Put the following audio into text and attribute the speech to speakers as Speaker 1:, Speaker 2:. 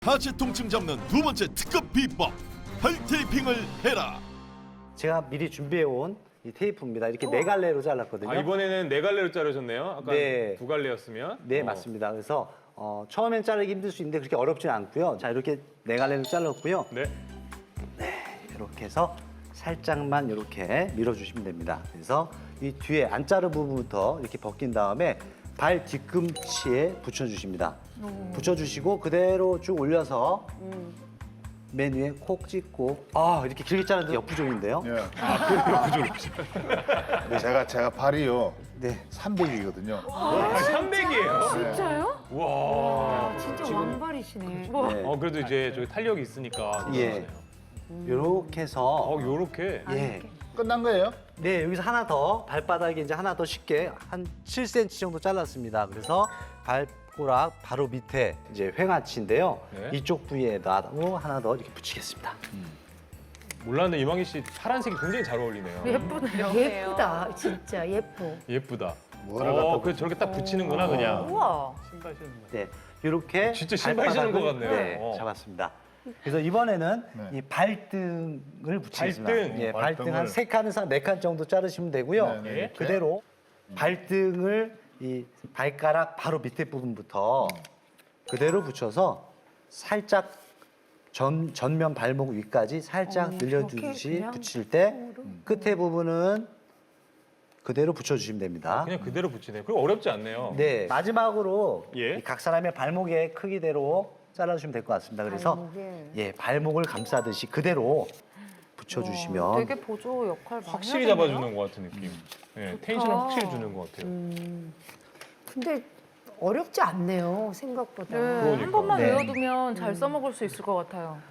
Speaker 1: 하체 통증 잡는 두 번째 특급 비법, 팔 테이핑을 해라.
Speaker 2: 제가 미리 준비해온 이 테이프입니다. 이렇게 네 갈래로 잘랐거든요.
Speaker 3: 아, 이번에는 네 갈래로 자르셨네요. 아까
Speaker 2: 네.
Speaker 3: 두 갈래였으면.
Speaker 2: 네, 맞습니다. 그래서 처음엔 자르기 힘들 수 있는데 그렇게 어렵지는 않고요. 자, 이렇게 네 갈래로 잘랐고요.
Speaker 3: 네.
Speaker 2: 이렇게 해서 살짝만 이렇게 밀어주시면 됩니다. 그래서 이 뒤에 안 자른 부분부터 이렇게 벗긴 다음에 발 뒤꿈치에 붙여주십니다. 붙여주시고 그대로 쭉 올려서 맨 위에 콕 찍고 이렇게 길게 자르는 역부족인데요.
Speaker 4: 예. 네, 제가 발이요
Speaker 2: 네.
Speaker 4: 300이거든요.
Speaker 3: 300이에요.
Speaker 5: 진짜요?
Speaker 3: 와.
Speaker 5: 진짜 왕발이시네.
Speaker 2: 네.
Speaker 3: 그래도 이제 저기 탄력이 있으니까.
Speaker 2: 예. 이렇게 해서
Speaker 3: 요렇게.
Speaker 2: 예.
Speaker 4: 끝난 거예요?
Speaker 2: 네, 여기서 하나 더 발바닥에 이제 하나 더 쉽게 한 7cm 정도 잘랐습니다. 그래서 발가락 바로 밑에 이제 횡아치인데요.
Speaker 3: 네.
Speaker 2: 이쪽 부위에다 하나 더 이렇게 붙이겠습니다.
Speaker 3: 몰랐는데 이망희 씨 파란색이 굉장히 잘 어울리네요.
Speaker 5: 예쁘다. 진짜 예뻐.
Speaker 3: 예쁘다.
Speaker 4: 뭐를 갖다
Speaker 3: 그 저렇게 딱 붙이는구나 그냥.
Speaker 5: 우와.
Speaker 3: 신발 신는 거.
Speaker 2: 네, 이렇게
Speaker 3: 진짜 신발 신는 것 같네요.
Speaker 2: 네, 잡았습니다. 그래서 이번에는
Speaker 4: 네.
Speaker 2: 이 발등을 붙이겠습니다.
Speaker 3: 발등?
Speaker 2: 예, 발등 한
Speaker 4: 발등을.
Speaker 2: 3칸에서 4칸 정도 자르시면 되고요.
Speaker 4: 네, 네, 이렇게.
Speaker 2: 그대로 발등을 이 발가락 바로 밑에 부분부터 그대로 붙여서 살짝 전면 발목 위까지 살짝 늘려주듯이
Speaker 5: 그렇게 그냥
Speaker 2: 붙일 때 끝에 부분은 그대로 붙여주시면 됩니다.
Speaker 3: 그냥 그대로 붙이네. 그리고 어렵지 않네요.
Speaker 2: 네, 마지막으로
Speaker 3: 예.
Speaker 2: 이각 사람의 발목의 크기대로 잘라주시면 될 것 같습니다. 그래서
Speaker 5: 발목에.
Speaker 2: 예, 발목을 감싸듯이 그대로 붙여주시면
Speaker 5: 되게 보조 역할 많이
Speaker 3: 확실히
Speaker 5: 하겠네요.
Speaker 3: 잡아주는 것 같은 느낌. 예, 텐션을 확실히 주는 것 같아요.
Speaker 6: 근데 어렵지 않네요, 생각보다.
Speaker 5: 네,
Speaker 3: 그러니까.
Speaker 5: 한 번만
Speaker 2: 네.
Speaker 5: 외워두면 잘 써먹을 수 있을 것 같아요.